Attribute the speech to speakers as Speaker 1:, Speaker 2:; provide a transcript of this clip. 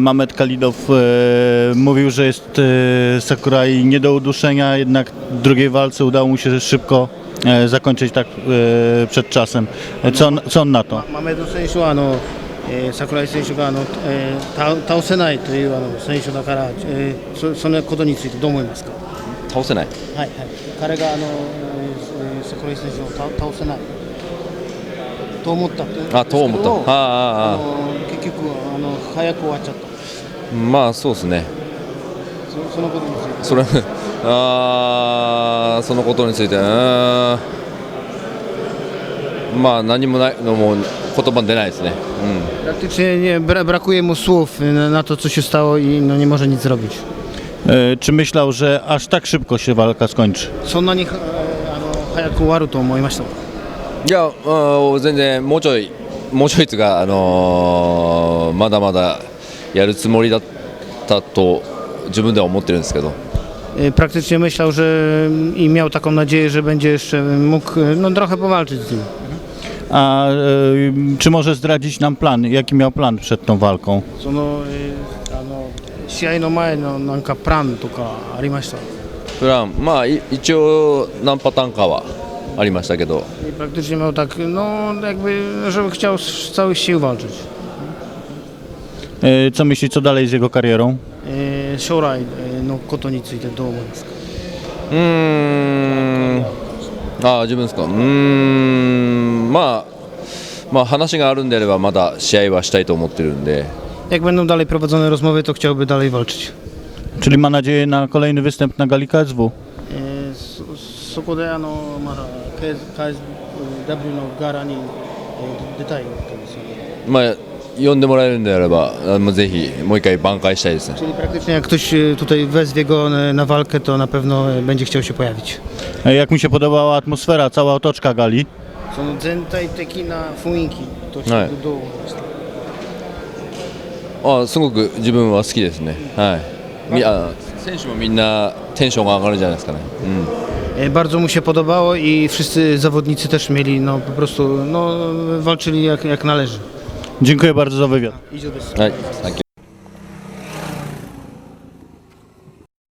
Speaker 1: Mamed Kalidow mówił, że jest Sakurai nie do uduszenia, jednak w drugiej walce udało mu się szybko zakończyć tak przed czasem. Co on na to?
Speaker 2: マメド選手は櫻井選手が倒せないという選手だから、そのことについてどう思いますか？
Speaker 3: 倒せない。
Speaker 2: はいはい、彼が櫻井選手を倒せないと思ったって言うんですけど、
Speaker 3: と思った。
Speaker 2: 結局早く終わっちゃった。
Speaker 3: まあそうですね。
Speaker 2: そのことについて。
Speaker 3: そのことについて、まあ何もないのも言葉出ないですね。
Speaker 2: Praktycznie brakuje mu słów na to, co się stało i nie może nic zrobić.
Speaker 1: Czy myślał, że aż tak szybko się walka skończy?
Speaker 2: そんなに早く終わると思いましたか？
Speaker 3: いや、全然もうちょいつがまだまだやるつもりだったと自分では思ってるんですけど。
Speaker 2: Praktycznie myślał, że i miał taką nadzieję, że będzie jeszcze mógł trochę powalczyć z nim.
Speaker 1: A czy może zdradzić nam plan? Jaki miał plan przed tą walką?
Speaker 2: 試合の前のなんかプランとかありました？
Speaker 3: プラン、まあ一応何パターンかはありましたけど。
Speaker 2: I praktycznie miał tak, jakby, żeby chciał z całych sił walczyć.
Speaker 1: Co myśli, co dalej z jego karierą?
Speaker 2: 将来のことについてどう思いますか？
Speaker 3: 自分ですか。まあ話があるんであればまだ試合はしたいと思ってるんで。
Speaker 2: Jak będą dalej prowadzone rozmowy, to chciałby dalej walczyć.
Speaker 1: Czyli ma nadzieję na kolejny występ na gali KSW?
Speaker 2: そこでまだ KSW のガラに出たいわけですよね。
Speaker 3: まあ呼んでもらえるんであればぜひもう一回挽回したいですね。
Speaker 2: Czyli praktycznie jak ktoś tutaj wezwie go na walkę, to na pewno będzie chciał się pojawić.
Speaker 1: Jak mi się podobała atmosfera, cała otoczka gali?
Speaker 2: その全体的な雰囲気としてどう思いました？
Speaker 3: すごく自分は好きですね。はい。選手もみんなテンションが上がるじゃないですかね。
Speaker 2: Bardzo mu się podobało i wszyscy zawodnicy też mieli po prostu walczyli jak należy.
Speaker 1: Dziękuję bardzo za wywiad.
Speaker 2: 以上です。
Speaker 3: はい。